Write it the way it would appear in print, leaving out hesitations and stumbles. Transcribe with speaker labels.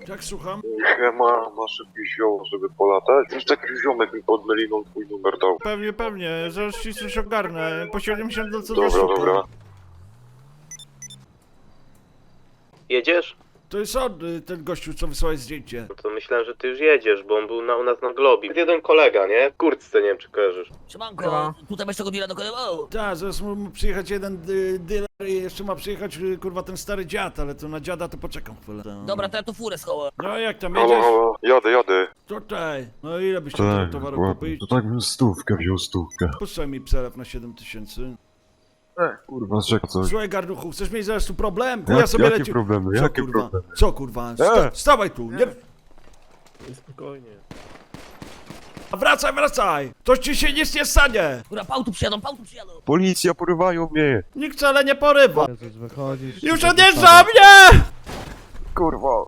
Speaker 1: Tak, słucham?
Speaker 2: Masz jakiś zioło, żeby polatać? Już taki ziomek mi pod meliną twój numer dał.
Speaker 1: Pewnie, zaraz ci coś ogarnę. Po 70 do co za
Speaker 2: Dobra,
Speaker 1: sztuka.
Speaker 2: dobra.
Speaker 3: Jedziesz?
Speaker 1: To jest on, ten gościu, co wysłałeś zdjęcie.
Speaker 3: No to myślałem, że ty już jedziesz, bo on był u nas na Globie. Jeden kolega, nie? W kurtce, nie wiem czy kojarzysz.
Speaker 4: Siemanko, tutaj masz tego deala dokonywał.
Speaker 1: Tak, zaraz ma przyjechać jeden dealer i jeszcze ma przyjechać, kurwa, ten stary dziad, ale to na dziada to poczekam chwilę.
Speaker 4: Dobra, to ja tu furę schowę.
Speaker 1: No jak tam
Speaker 2: Halo,
Speaker 1: jedziesz?
Speaker 2: halo, jadę.
Speaker 1: Tutaj. No ile byś
Speaker 5: Tak,
Speaker 1: chciał towaru
Speaker 5: ładnie.
Speaker 1: kupić?
Speaker 5: To tak bym stówkę wziął, stówkę.
Speaker 1: Puszczaj mi przelew na 7000.
Speaker 5: Kurwa, czekaj, co?
Speaker 1: Słuchaj, garnuchu, chcesz mieć zaraz tu problem?
Speaker 5: Jak-
Speaker 1: Ja sobie
Speaker 5: jakie
Speaker 1: leci...
Speaker 5: problemy,
Speaker 1: Co,
Speaker 5: jakie
Speaker 1: kurwa?
Speaker 5: problemy?
Speaker 1: Co kurwa? Stawaj tu, nie...
Speaker 3: Spokojnie.
Speaker 1: A wracaj! Toż ci się nic nie stanie!
Speaker 4: Dobra, pałtu przyjadą.
Speaker 5: Policja, porywają mnie!
Speaker 1: Nikt wcale nie porywa!
Speaker 6: Jezus, wychodzisz.
Speaker 1: Już odjeżdża mnie!
Speaker 5: Kurwa!